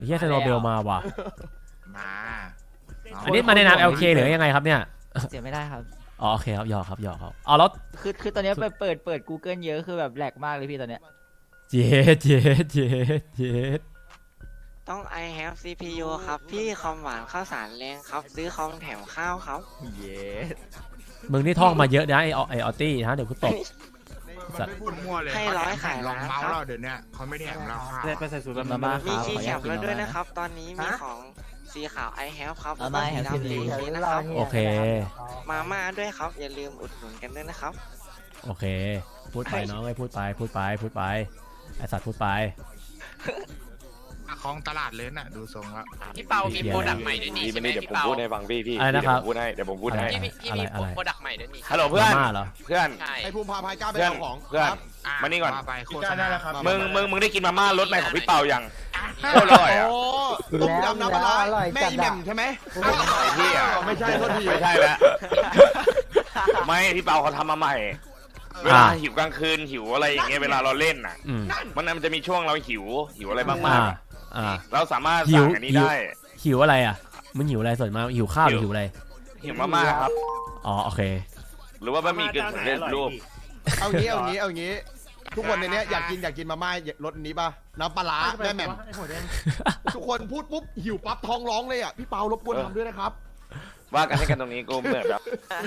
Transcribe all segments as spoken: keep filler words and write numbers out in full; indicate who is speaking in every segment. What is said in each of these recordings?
Speaker 1: เฮียเซโนเบลมาว่ะ
Speaker 2: มา
Speaker 1: อันนี้มาในนาม แอล เค หรือยังไงครับเนี่ย
Speaker 3: เสียไม่ได้ครับ
Speaker 1: อ๋อโอเคครับหยอกครับหยอกครับอ๋อแล้ว
Speaker 3: คือคือตอนนี้ไปเปิดเปิด Google เยอะคือแบบแหลกมากเลยพี่ตอนเนี้ย
Speaker 1: เย็ดเย็ดเย็ดเย็ด
Speaker 4: ต้อง I have ซี พี ยู ครับพี่คอมหวานข้าวสารแรงครับซื้อคอมแถมข้าวครับ
Speaker 3: เย้
Speaker 1: มึงนี่ท่องมาเยอะนะไอไอออตตี้ฮะเดี๋ยวกูตบ
Speaker 2: มันไม่พูดมั่วเลยให้ร้อยขายลองเมาส์เราเดี๋ยวนี้เขาไม่ได้แถมเราค่ะ
Speaker 3: ไปใส่สูตรมาม่า
Speaker 4: มีคีย์แคปแล้วด้วยนะครับตอนนี้มีของสีขาว I have ครับแล้วก็สีดำสีนะครับ
Speaker 1: โอเค
Speaker 4: มาม่าด้วยครับอย่าลืมอุดหนุนกันด้วยนะครับ
Speaker 1: โอเคพูดไปน้องไอ้พูดไปพูดไปพูดไปไอสัตว์พูดไป
Speaker 2: คลองตลาดเลยน่ะดูทรงแล้ว
Speaker 5: พี่เปามีโปรดักต์ใหม่ด้วยนี่ใช่ไหม
Speaker 6: เดี๋ยวผมพูดให้ฟังพี่พี่
Speaker 1: อะไรนะครับ
Speaker 6: พูดให้เดี๋ยวผมพูดให้
Speaker 5: พี่มีโปรดักต์ใหม่ด้วยนี่
Speaker 6: ฮัลโหลเพื่อนเพื่อน
Speaker 2: ไอภูมิพาพายกล้าไปเอาของ
Speaker 6: เพื่อนมานี่ก่อน
Speaker 2: โฆษณาครับ
Speaker 6: มึงมึงมึงได้กินมาม่ารสใหม่ของพี่เปายังโคตรอร่อยอ่ะ
Speaker 2: ต้มยำน้ำปลาแม่อีแหม่มใช่ไหม
Speaker 6: ไอ้ที่อ่ะ
Speaker 2: ไม่ใช่โทษที
Speaker 6: ไม่ใช่แล้วไม่พี่เปาเขาทำมาใหม่เวลาหิวกลางคืนหิวอะไรอย่างเงี้ยเวลาเราเล่นน่ะมันมันจะมีช่วงเราหิวหิวอะไรบ้างๆเราสามารถสั่งอันนี้ได้
Speaker 1: หิวอะไรอ่ะมึงหิวอะไรส่วนมากหิวข้าวหรือหิวอะไร
Speaker 6: หิวมาม่าครับ
Speaker 1: อ๋อโอเค
Speaker 6: หรือว่าบะหมี่กึ่งสำเร็จรูป
Speaker 2: เอางี้เอางี้เอางี้ทุกคนในนี้อยากกินอยากกินมาม่ารสนี้ป่ะน้ำปลาแม่แหม่มทุกคนพูดปุ๊บหิวปั๊บท้องร้องเลยอ่ะพี่เปารบกวนทำด้วยนะครับ
Speaker 6: ว่ากันให้กันตรงนี้กูเหมือนแบบ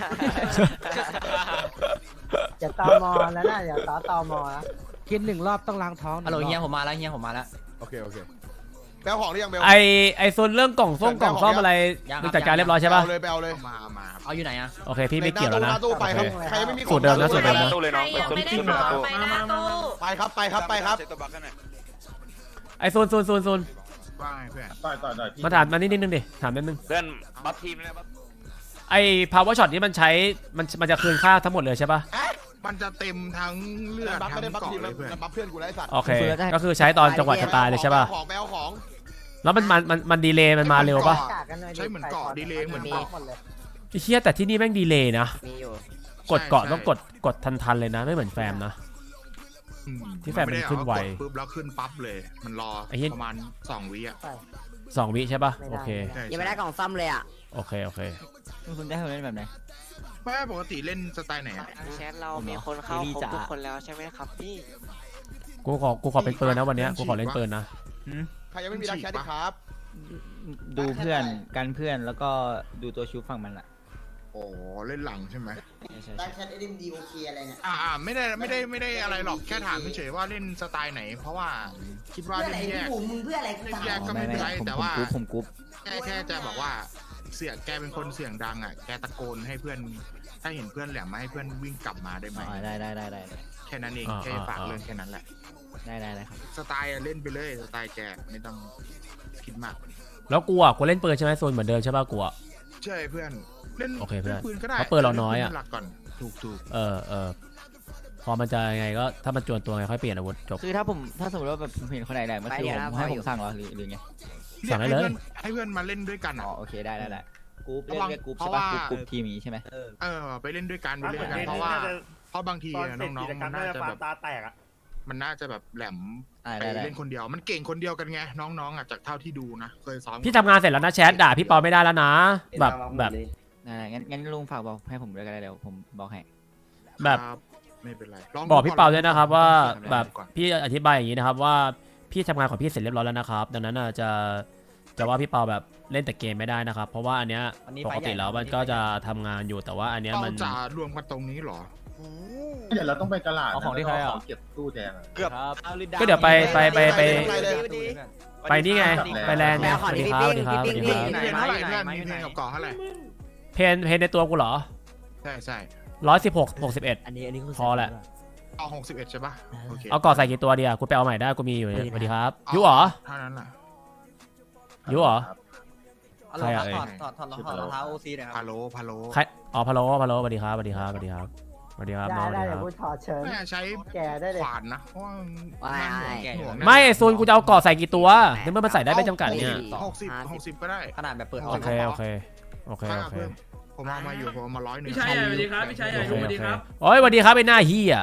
Speaker 7: อย่าตอมอแล้วนะอย่าต่อตอมอนะกินหนึ่งรอบต้องล้างท้อง
Speaker 3: ฮัลโหลเฮียผมมาแล้วเฮียผมมาแล้ว
Speaker 2: โอเคโอเคแปลของหรือยังเบล
Speaker 1: ไอไอโซนเรื่องกล่องส้มกล่องซ่อมอะไรมึงจัดการเรียบร้อยใช่ป่ะ
Speaker 2: เอาเลยไปเอาเลย
Speaker 3: มามาเอาอยู่ไหนอะ
Speaker 1: โอเคพี่ไม่เกี่ยวแล้วนะ
Speaker 2: ไปครับใครไม่มี
Speaker 1: สูตรเดิมนะสูตรเดิมนะ
Speaker 6: ตู้เลยน้องไปตู้ที่ประตู
Speaker 2: ไปครับไปครับไปครับ
Speaker 1: ไอโซนโซนโซนโซน
Speaker 2: ว่าไงเพื่อน
Speaker 6: ต่อยต่อยต่อย
Speaker 1: มาถามมานิดนึงดิถามนิดนึง
Speaker 6: เพื่อนบัฟทีมนะ
Speaker 1: ไอ power shot นี้มันใช้มันมันจะคืนค่าทั้งหมดเลยใช่ป่ะ
Speaker 2: มันจะเต็มทั้งเลือดทั้งเกาะเลยเพื่อนบัฟเพื่อนกูไล่สัตว์
Speaker 1: โอเคก็คือใช้ตอนจังหวะจะตายเลยใช่ป่ะ
Speaker 2: ของแปลของ
Speaker 1: แล้วมันมันมันมันดีเลย์มันมาเร็วป่ะ
Speaker 2: ใช้เหมือนเกาะดีเลย์เหมือนเกาะ
Speaker 1: ไอ้เชี่ยแต่ที่นี่แม่งดีเลย์นะกดเกาะต้องกดกดทันๆเลยนะไม่เหมือนแฟมนะที่แฟมมันขึ้นไว
Speaker 2: ปุ๊บแล้วขึ้นปั๊บเลยมันรอประมาณสองวิอ่ะ
Speaker 1: สองวิใช่ป่ะโอเค
Speaker 7: ยังไม่ได้กล่องซ่อมเลยอ่ะ
Speaker 1: โอเคโอเค
Speaker 3: คุณได้เล่นแบบไหน
Speaker 2: แม่ปกติเล่นสไตล์ไหน
Speaker 4: แชทเรามีคนเข้าครบทุกคนแล้วใช่ไหมครับพี่
Speaker 1: กูขอกูขอเป็นเปิร์นะวันนี้กูขอเล่นเปิร์นะ
Speaker 2: ใครยังไม่มีรักแชทดิครับ
Speaker 3: ดูเพื่อนกันเพื่อนแล้วก็ดูตัวชูฝั่งมันอะ
Speaker 2: โอ้เล่นหลังใช่ไหม
Speaker 7: รักแชทเอ็มดีโอเคอะไรเนี่ย
Speaker 2: อ่าไม่ได้ไม่ได้ไม่ได้อะไรหรอกแค่ถามเฉยว่าเล่นสไตล์ไหนเพราะว่าคิดว่าเล่นแยก
Speaker 7: มึงเพื่ออะไร
Speaker 2: เล่นแยกก็ไม่เป็นไรแต่ว่า
Speaker 3: ผมกรุ๊ป
Speaker 2: แค่แค่จะบอกว่าเสียงแกเป็นคนเสียงดังอ่ะแกตะโกนให้เพื่อนถ้าเห็นเพื่อนแหลมมาให้เพื่อนวิ่งกลับมาได้ไหม
Speaker 3: ได้ได้ได้ได้
Speaker 2: แค่นั้นเองแค่ฝากเรื่องแค่นั้นแหละ
Speaker 3: ได้ได้เลยครับ
Speaker 2: สไตล์เล่นไปเลยสไตล์แกไม่ต้องคิดมาก
Speaker 1: แล้วกูอ่ะกูเล่นปืนใช่ไหมโซนเหมือนเดิมใช่ป่ะกูอ่ะ
Speaker 2: ใช่เพื่อนเล่น
Speaker 1: โอเคเพื่อน
Speaker 2: ปืนก็ได้
Speaker 1: เพราะปืนเราน้อยอ่ะ
Speaker 2: หลักก่อนถูกถูก
Speaker 1: เออเออพอมันจะยังไงก็ถ้ามันจวนตัวไงค่อยเปลี่ยนอาวุธจบ
Speaker 3: คือถ้าผมถ้าสมมติว่าแบบผมเห็นคนไหนแหลมก็คือผมให้ผมสั่งเหรอหรือหรือไง
Speaker 1: สั่งได้เลย
Speaker 2: ให้เพื่อนมาเล่นด้วยกัน
Speaker 3: อ๋อโอเคได้ได้ได้กรุ๊ปเล่นด้วยกรุ๊ปใช่ป่ะกรุ๊ปทีมนี้ใช่ไหม
Speaker 2: เออไปเล่นด้วยกันไปเล่นด้วยกันเพราะว่าเพราะบางทีน้องๆมันน่าจะแบบ
Speaker 7: ตาแตกอ่ะ
Speaker 2: มันน่าจะแบบแหลมไปเล่นคนเดียวมันเก่งคนเดียวกันไงน้องๆอ่ะจากเท่าที่ดูนะเคยซ้อม
Speaker 1: พี่ทำงานเสร็จแล้วนะแชทด่าพี่ปอไม่ได้แล้วนะแบบแบบ
Speaker 3: งั้นงั้นลุงฝากบอกให้ผมด้วยก็ได้เดี๋ยวผมบอกให้
Speaker 1: แบบ
Speaker 2: ไม่เป็นไร
Speaker 1: บอกพี่เปาด้วยนะครับว่าแบบพี่อธิบายอย่างนี้นะครับว่าพี่ทำงานของพี่เสร็จเรียบร้อยแล้วนะครับดังนั้นจะจะว่าพี่เปาแบบเล่นแต่เกมไม่ได้นะครับเพราะว่าอันเนี้ยปกติแล้วมันก็จะทำงานอยู่แต่ว่าอันเนี้ยมัน
Speaker 2: จะรวมกันตรงนี้หรอ
Speaker 6: เดี๋ยวเราต้องไปตลาด
Speaker 3: เอาของที่ใครอ่ะ
Speaker 6: เก็บตู้แดง
Speaker 2: เกือบ
Speaker 1: ก็เดี๋ยวไปไปไปไปไปนี่ไงไปแลนด์ไงสวัสดีครับสวัสดีครับสวัสดีครับ
Speaker 2: เพนเท่าไหร่เพื่อนมีเพนกับเกาะเท่าไหร่
Speaker 1: เพนเพนในตัวกูเหรอ
Speaker 2: ใช่ใช่
Speaker 1: ร้อยสิบหกหกสิบเอ็ด
Speaker 7: อันนี้อันนี้
Speaker 1: พอแหละ
Speaker 2: เอาหกสิบเอ็ดใช่ป่ะ
Speaker 1: เอาเกาะใส่กี่ตัวเดียวกูไปเอาใหม่ได้กูมีอยู่สวัสดีครับยุเหรอ
Speaker 2: เท่านั้นแหละ
Speaker 1: ยุเหรอ
Speaker 3: ใครอ่ะถอดถอดถอดรองเท้าโอซีนะครับ
Speaker 2: พาโลพาโล
Speaker 1: ใครอ๋อพาโลพาโลสวัสดีครับสวัสดีครับสวัสดีครับสวัสดีครับน้องสวัสดีครับ
Speaker 2: ไม่ใช้
Speaker 7: แกได้เลย
Speaker 2: ขวานนะเพราะ
Speaker 1: ไม่โซนกูจะเอาเกาะใส่กี่ตัวในเมื่อมันใส่ได้ไม่จำกัดเนี่ย
Speaker 2: หกสิบหกสิบก็ได้
Speaker 3: ขนาดแบบเปิด
Speaker 1: โอเคโอเคโอเคโอเค
Speaker 2: ผมเอามาอยู่ผมเอามาร้อยหนึ่ง
Speaker 5: พี่ชายสวัสดีครับพี่ชายสวัสดีครับ
Speaker 1: โอ้ยสวัสดีครับไอ้หน้าเฮีย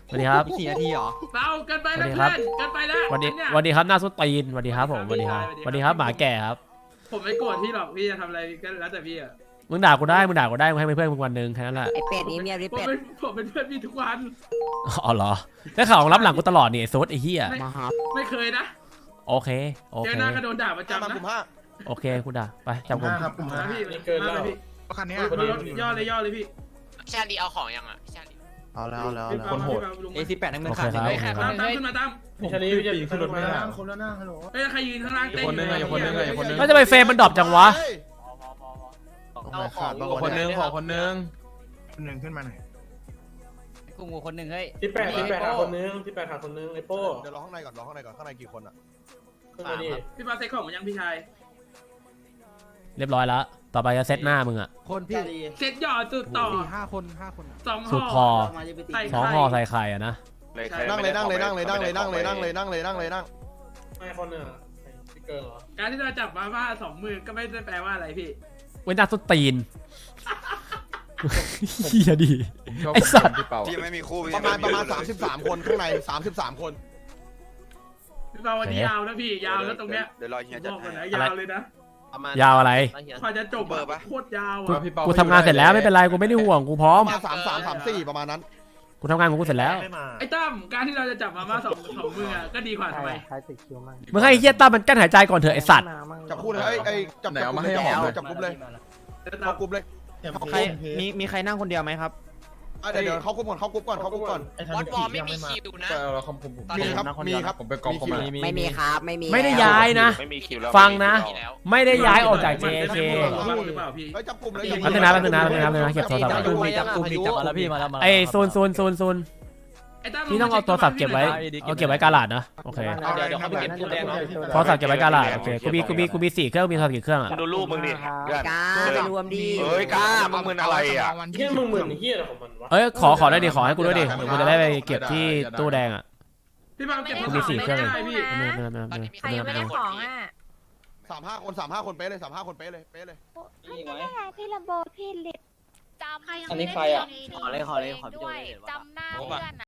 Speaker 1: สวัสดีครับ
Speaker 3: สี่นาทีเหรอ
Speaker 8: เบาเกินไป
Speaker 1: สวั
Speaker 8: นะ
Speaker 1: สดีค
Speaker 8: เพื่
Speaker 1: รั
Speaker 8: อบ นเกินไปนะ
Speaker 1: สวัสดี
Speaker 8: เนี่ย
Speaker 1: สวัสดีครับหน้าสุดตีนสวัสดีครับผมสวัสดีครับสวัสดีครับหมาแก่ครับ
Speaker 8: ผมไม่โกรธพี่หรอกพี่จะทำอะไรก็แล้วแต่พี่อะ
Speaker 1: มึงด่ากูได้มึงด่ากูได้มึงให้เป็นเพื่อนมึงวันหนึ่งแค่นั้นแหละ
Speaker 7: ไอเป็ดนี่เมียดิ
Speaker 8: ผม
Speaker 7: เป็ด
Speaker 8: เป็นผมเป็นเพื่อนพี่ทุกวัน
Speaker 1: อ๋อเหรอได้ข่าวของรับหลังกูตลอดนี่ไอ้โซดไอ้เหี้ย
Speaker 7: มาครับ
Speaker 8: ไม่เคยนะ
Speaker 1: โอเคโอ
Speaker 8: เจ
Speaker 1: เค
Speaker 8: อหน้าก็โดนด่าประ
Speaker 2: จำ
Speaker 8: จำ
Speaker 2: มา
Speaker 8: นะ
Speaker 2: กลุ่มห้า
Speaker 1: โอเคกูด่าไปจับกู
Speaker 2: ครับกลุ่มห้า
Speaker 8: นะพี่เกินแล้วพี่
Speaker 2: คันนี้
Speaker 8: ย่อเลยย่อเลยพี่
Speaker 5: พี่ชาลีเอาของยังอ่ะพี่ชาลี
Speaker 2: เอาแล้วเอาแล้ว
Speaker 8: พี่เปาพี่เปาลง
Speaker 3: เอสิบแปดนั่งมื
Speaker 1: โอ
Speaker 3: อ
Speaker 1: เค
Speaker 3: ขาด
Speaker 1: ครับ
Speaker 3: เลย
Speaker 1: โอเคค
Speaker 8: ตา
Speaker 1: รับ
Speaker 8: มตามขึ้นมาตาม
Speaker 9: พี่ชาลีพี่จะขึ้นรถไม่ได้
Speaker 2: คนละหน้าฮัลโหล
Speaker 8: เอ้ยใครยืนข้างล่างเต้น
Speaker 9: คนหนึ่งอะคนหนึ่งอะคนหนึ่ง
Speaker 1: แล้วจะไปเฟรมมันดรอปจังวะ
Speaker 5: เอาของ
Speaker 9: ขอคนหนึงขอคนหนึง
Speaker 2: คนหนึ่งขึ้นมาหน่อย
Speaker 3: กูงูคนหนึ่งเฮ้ย
Speaker 9: ที่แปดที่แปดหาคนหนึงที่แปดหาคนหนึงไอ้โป้
Speaker 2: เดี๋ยวรอข้างในก่อนรอข้างในก่อนข้างในกี่คนอ่ะ
Speaker 9: ขึ้นมาดิ
Speaker 8: พี่เปาเซ็ตของมันยังพี่ชาย
Speaker 1: เรียบร้อยแล้วต่อไปจะเซตหน้ามึงอะ
Speaker 7: คนพี่
Speaker 8: เซ็ตหย่อจุดต่อ
Speaker 7: สี่ห้าคนห้าคน
Speaker 8: สอง
Speaker 1: สุดพ
Speaker 8: ห่
Speaker 1: อ
Speaker 8: อใส่
Speaker 1: สอง
Speaker 8: ไข่
Speaker 1: ห่อใส่ไข่อะนะ
Speaker 6: เลยใคร
Speaker 2: นั่งเลยนั่งเลยนั่งเลยนั่งเลยนั่งเลยนั่งเลยนั่งเลยนั่งเลยนั่ง
Speaker 9: ไม่คนหนึ่งอะพี่เกิร์ลเหรอ
Speaker 8: การที่เราจับมาว่าสองมือก็ไม่ได้แปลว่าอะไรพี่
Speaker 1: เว้นหน้าสุดตีนเฮียดีไอสัตว์
Speaker 10: พี่ไม่มีคู่
Speaker 2: ประมาณประมาณสามสิบสามคนข้างในสามสิบสามคน
Speaker 8: พี่เปาวันนี้ยาวนะพี่ยาวแล้วตรงเนี้ย
Speaker 10: เดี๋ยวรอเฮีย
Speaker 8: บ
Speaker 10: จัด
Speaker 8: อกก่อน
Speaker 10: ให้
Speaker 8: นะยาวเลยนะ
Speaker 1: ยาวอะไร
Speaker 8: กว่าจะจบอะโคตรยาว
Speaker 1: กู
Speaker 8: อะ
Speaker 1: กูทำงานเสร็จแล้วไม่เป็นไรกูไม่ได้ห่วงกูพร้อ
Speaker 2: ป
Speaker 1: ม
Speaker 2: ระมาณสามสามสามสี่ประมาณนั้น
Speaker 1: กูทำงานของกูเสร็จแล้ว
Speaker 8: ไอ้ตั้มการที่เราจะจับมาม่าสองสองมืออะก็ดีกว่าทำไม
Speaker 7: ใครติดคิวมั่ง
Speaker 1: มึงให้ไอ้เฮียตั้มมันกั้นหายใจก่อนเถอะไอสัตว์
Speaker 2: จับคู่เลยไอ้ไอ้จับจับกลุ่มเลยจับกลุ่มเลยเข้ากลุ่มเลย
Speaker 3: ใครมีมีใครนั่งคนเดียวไหมครับ
Speaker 2: อ่ะเดี๋ยวเดี๋ยวเข้ากลุ่มก่อนเข้ากลุ่มก่อนเข้ากลุ่มก่อน
Speaker 5: บอสบอลไม่มีคิวนะ
Speaker 9: แต่เราคอมผมผม
Speaker 2: มีครับมีครับ
Speaker 9: ผมไปกองคอม
Speaker 2: มี
Speaker 7: ไม่มีครับไม่มี
Speaker 1: ไม่ได้ย้ายนะ
Speaker 6: ไม่มีคิวแล้ว
Speaker 1: ฟังนะ
Speaker 5: มีแล้ว
Speaker 1: ไม่ได้ย้ายออกจาก
Speaker 8: มัน
Speaker 1: เจ
Speaker 8: เป็น
Speaker 1: เค
Speaker 8: คู่หรือเปล่าพี่
Speaker 2: เฮ้ยจับกลุ่มเลย
Speaker 1: แป๊บนึงนะแป๊บนึงนะแป๊บนึงนะแป๊บนึงนะเก็บโทรศัพท์
Speaker 3: จับ
Speaker 1: ก่อน
Speaker 3: กลุ่มมีจับกลุ่มมีจับมาแล้วพี่มาแล้วมา
Speaker 1: ไอโซนโซนโซนโซน
Speaker 8: ไอ้ตั้ม
Speaker 1: พี่ต้องเอาโทรศัพท์เก็บไว้เอาเก็บไว้กาลาดนะโอเค
Speaker 3: เดี๋ยวเดี๋ยวเขาไปเก็บตู้แดงเนาะ
Speaker 1: โทรศัพท์เก็บไว้กาลาดโอเคกูมีกูมีกูมีสี่เครื่องมีโทรศัพท์กี่เครื่องอะ
Speaker 6: มึงดูรูปมึงดิเพื่อน
Speaker 7: กาไปรวมดี
Speaker 6: เอ้ยกล้ามึงมึนอะไรอ่ะ
Speaker 9: เฮียมึงเหมือนเฮียอะไรของมันวะ
Speaker 1: เอ้ยขอขอได้ดิขอให้กูด้วยดิเดี๋ยวกูจะได้ไปเก็บที่ตู้แดงอ่ะ
Speaker 8: พี่เปาเก็บ
Speaker 1: กูมีสี่เครื่อง
Speaker 8: ไม่
Speaker 1: เลย
Speaker 8: ได้พี่
Speaker 1: ไม่ไม่ไม่
Speaker 5: ตอน
Speaker 1: ไม่
Speaker 5: นี้มี
Speaker 1: ไม่
Speaker 5: ใครยังไม่ได้ของอ่ะ
Speaker 2: สามห้าคนสามห้าคนเป๊ะเลยสามห้าคนเป๊ะเลยเป๊ะเลย
Speaker 11: พี่ลำโบพี่ลิดจำ
Speaker 3: อันนี้ใครอะ
Speaker 11: ขอเลยขอเลยขอด้วยจำหน้าเพื่อน